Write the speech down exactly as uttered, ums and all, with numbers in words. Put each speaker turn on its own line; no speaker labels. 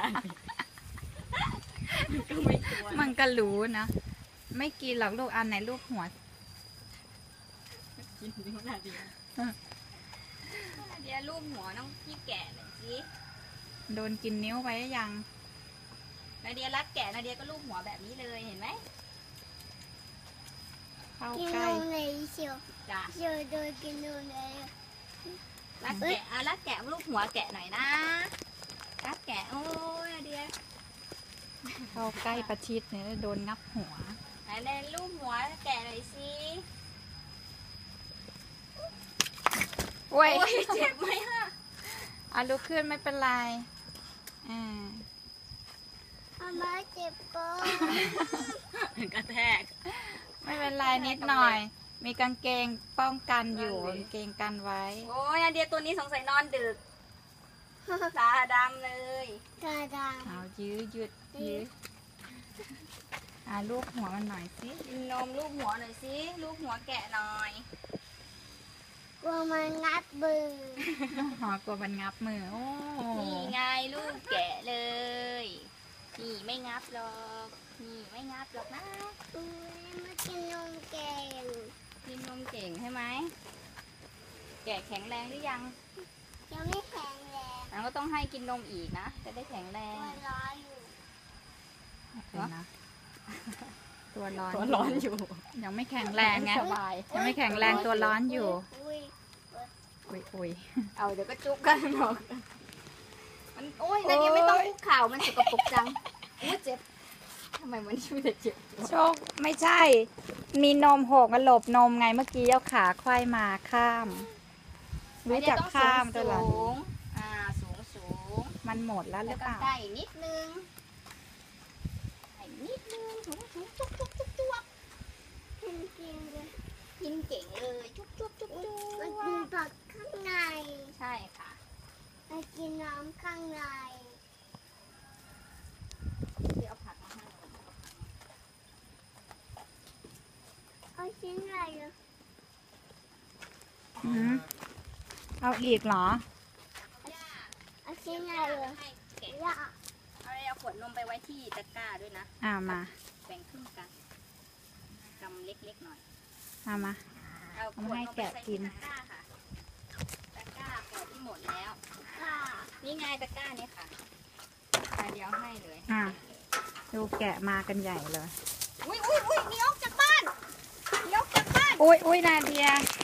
ก็ไม่กลัว
มันก็รู้นะไม่กินหรอกลูกอันไหนลูกหัว
กินนิ้วนาเดียนาเดียรูปหัวน้องพี่แกะหน่อยสิ
โดนกินนิ้วไปยัง
นาเดียรักแกะนาเดียก็รูปหัวแบบนี้เลยเห็นไหม
เข้าใกล้
จ้ะเชียวโดนกินนมเลยรักแกะอ่ะรักแกะรูปหัวแกะหน่อยนะรักแกะโอ้ยนาเดีย
เข้าใกล้ประชิดเนี่ยโดนงับหัว
ไหนในรูปหัวแกะหน่อยสิ
โอ้ย
เจ็บไหมฮะ
อ่ะลุกขึ้นไม่เป็นไรอ่า
อาม่าเจ็บก็กระแทก
ไม่เป็นไรนิดหน่อยมีกางเกงป้องกันอยู่กางเกงกันไว้
โอ้ยนาเดียตัวนี้สงสัยนอนดึกตาดำเลยตาดำ
เอายื้อยืดยื้ออ่าลูกหัวมันหน่อยสิ
นมลูกหัวหน่อยสิลูกหัวแกะหน่อย
กลัวมันงับมือ
หอกลัวมันงับมือโอ้
นี่ไงลูกแกะเลยนี่ไม่งับหรอกนี่ไม่งับหรอกนะ
อุ้ยมากินนมเก่ง
กินนมเก่งใช่ไหมแกะแข็งแรงหรือยัง
ยังไม่แข็งแรง
เราก็ต้องให้กินนมอีกนะจะได้แข็งแรง
ตัวร้อนอยู่
นะตัวร้อน
ตัวร้อนอยู่
ยังไม่แข็งแรงไงยังไม่แข็งแรงตัวร้อนอยู่อุ้ยอุ้ย
เอาเดี๋ยวก็จุกกันหรอกมันโอ้ยนาเดียไม่ต้องคุกเข่ามันสกปรกจังอุ้ยเจ็บทำไมมันไม่ได้เจ็บ
โชคไม่ใช่มีนมหกหลบนมไงเมื่อกี้เอาขาควายมาข้ามรู้จักข้ามตัวหลัง
อ่าสูงสูง
มันหมดแล้วหรือเปล่า
ใกล้นิดนึงนิดนึงสูงสูงจุ๊บจุ๊บจุ๊บจุ๊บ
กินกินเลย
กินเก่งเลยจุ๊บจุ๊บจุ๊บจุ๊บ
มันกินผักข้างใน
ใช่ค่ะ
มันกินน้ำข้างใน
เดี๋ยวเอาผักมาให้
เอาชิ้นอะไรอ่ะ
อืมเอาอีกเหรอ
เอาชิ้นอะไรอ่ะย่า
เอาเอาขวดนมไปไว้ที่ตะกร้าด้วยนะ
อ่ามา
แบ่งครึ่งกันกำเล็กๆหน่อย
เอามา
เอาขวดนมไปใส่ที่ตะกร้าค่ะตะกร้าขวดที่หมดแล้วนี่ไงตะกร้านี่ค่ะเดี๋ยวให้เลย
อ่าดูแกะมากันใหญ่เลย
อุ้ยอุ้ยอุ้ยหนีออกจากบ้านหนีออกจากบ้าน
อุ้ยอุ้ยนาเดีย